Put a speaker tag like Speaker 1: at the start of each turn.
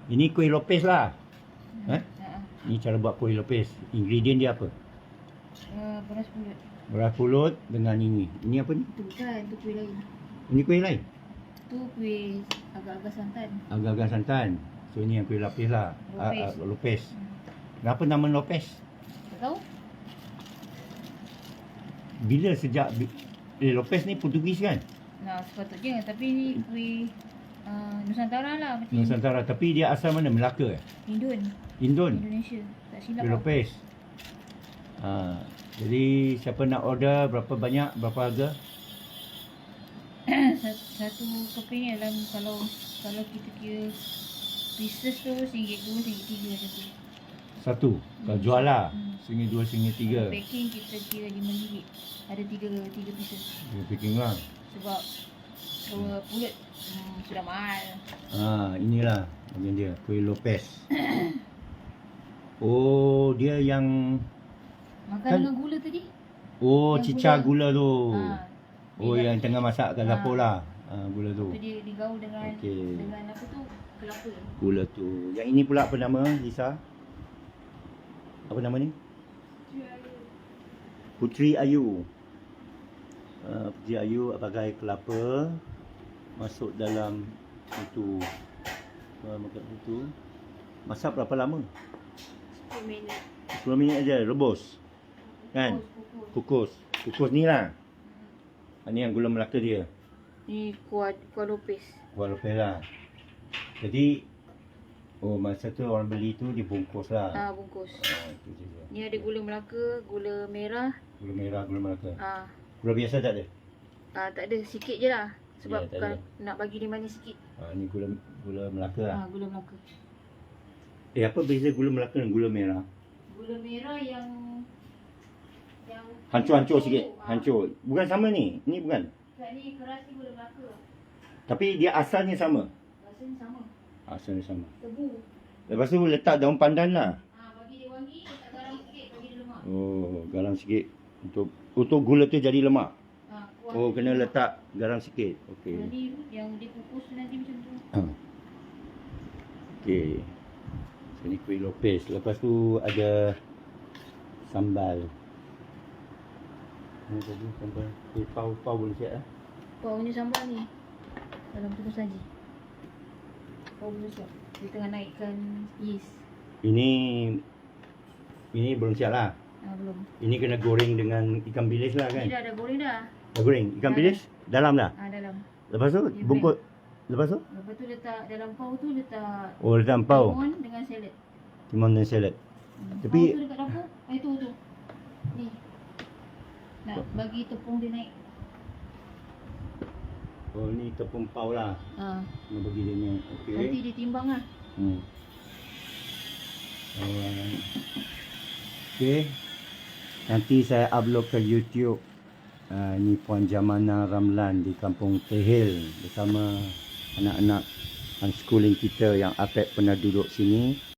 Speaker 1: Ini kuih lopes lah.
Speaker 2: Ha.
Speaker 1: Ni cara buat kuih lopes. Ingredient dia apa?
Speaker 2: Beras pulut.
Speaker 1: Beras pulut dengan ini. Ini apa ni?
Speaker 2: Itu bukan, itu kuih lain.
Speaker 1: Ini kuih lain?
Speaker 2: Itu kuih agak-agak santan.
Speaker 1: Agak-agak santan. So ini yang kuih lapis lah.
Speaker 2: Lopes.
Speaker 1: Lopes. Kenapa nama lopes?
Speaker 2: Tak tahu?
Speaker 1: Bila sejak lopes ni Portugis kan?
Speaker 2: Nah, sepatutnya. Tapi ni kuih Nusantara lah. Macam
Speaker 1: Nusantara. Tapi dia asal mana? Melaka?
Speaker 2: Indon.
Speaker 1: Indon?
Speaker 2: Indonesia. Tak silap
Speaker 1: Kuih
Speaker 2: lah.
Speaker 1: lopes. Jadi siapa nak order, berapa banyak, berapa harga?
Speaker 2: Satu keping ni dalam kalau kita kira pieces tu RM1, RM2, RM3 macam tu.
Speaker 1: Satu. Kalau jual lah.
Speaker 2: Hmm.
Speaker 1: RM1, RM2,
Speaker 2: Kalau
Speaker 1: RM3.
Speaker 2: packing kita kira RM5. Ada tiga pieces.
Speaker 1: Dia packing lah.
Speaker 2: Sebab pulut sudah mahal.
Speaker 1: Inilah bagian dia. Kuih lopes. Oh, dia yang...
Speaker 2: Makan
Speaker 1: Kan-
Speaker 2: dengan gula tadi.
Speaker 1: Oh,
Speaker 2: Yang
Speaker 1: cicah gula tu. Oh,
Speaker 2: Dia
Speaker 1: yang tengah masak kat dapur lah. Gula tu.
Speaker 2: tu dia digaul dengan
Speaker 1: Okey.
Speaker 2: dengan apa tu? Kelapa.
Speaker 1: Gula tu. Yang ini pula apa nama, Lisa? Apa nama ni? Puteri Ayu. Puteri Ayu pakai kelapa. Masuk dalam itu. Makan itu. Masak berapa lama?
Speaker 2: 10 minit.
Speaker 1: 10 minit aja, rebus. Kan?
Speaker 2: Kukus.
Speaker 1: Kukus ni lah. Ni yang gula Melaka dia.
Speaker 2: Ni kuah lopes.
Speaker 1: Kuah lopes lah. Jadi, masa tu orang beli tu dibungkus lah.
Speaker 2: Bungkus.
Speaker 1: Itu je dia.
Speaker 2: Ni ada gula Melaka, gula merah.
Speaker 1: Gula merah, gula Melaka.
Speaker 2: Ah,
Speaker 1: Gula biasa tak ada?
Speaker 2: tak ada, sikit je lah. Sebab
Speaker 1: Ya, tak
Speaker 2: bukan
Speaker 1: ada.
Speaker 2: nak bagi dia manis sikit.
Speaker 1: Ni gula Melaka lah.
Speaker 2: Gula Melaka.
Speaker 1: Apa beza gula Melaka dan gula merah?
Speaker 2: Gula merah yang
Speaker 1: Hancur-hancur sikit. Hancur. Bukan sama ni. Ni bukan.
Speaker 2: Kat ni keras ni gula Melaka.
Speaker 1: Tapi dia asalnya sama.
Speaker 2: Rasanya sama.
Speaker 1: Asalnya sama.
Speaker 2: Tebu.
Speaker 1: Lepas tu letak daun pandan lah.
Speaker 2: Bagi dia wangi, letak garam sikit, bagi dia lemak.
Speaker 1: Garam sikit. Untuk gula tu jadi lemak.
Speaker 2: Kuah
Speaker 1: Kena letak garam sikit. Okey.
Speaker 2: Jadi yang dia kukus tu nanti macam tu.
Speaker 1: Okey. So ni kuih lopes. Lepas tu ada sambal. Ni tadi sambal. Pau boleh siap lah.
Speaker 2: Pau punya sambal ni dalam tu saji. Pau belum siap. Dia tengah naikkan yeast.
Speaker 1: Ini belum siap lah.
Speaker 2: Belum.
Speaker 1: Ini kena goreng dengan ikan bilis lah kan?
Speaker 2: Ni dah ada goreng dah.
Speaker 1: Dah goreng. Ikan bilis dalam dah.
Speaker 2: Dalam.
Speaker 1: Lepas tu
Speaker 2: Dia
Speaker 1: bungkus. Lepas tu?
Speaker 2: Lepas tu letak dalam pau tu letak
Speaker 1: Letak pau.
Speaker 2: timun dengan salad.
Speaker 1: Timun dan salad. Tapi
Speaker 2: Pau tu dekat dapur. Tu. Ni. Nak bagi tepung dia naik.
Speaker 1: ni tepung pau lah. Nak bagi dia ni. Okey.
Speaker 2: Nanti dia timbang lah.
Speaker 1: Okey. Nanti saya upload ke YouTube. Ni Puan Jamana Ramlan di Kampung Tehil bersama anak-anak unschooling kita yang Apek pernah duduk sini.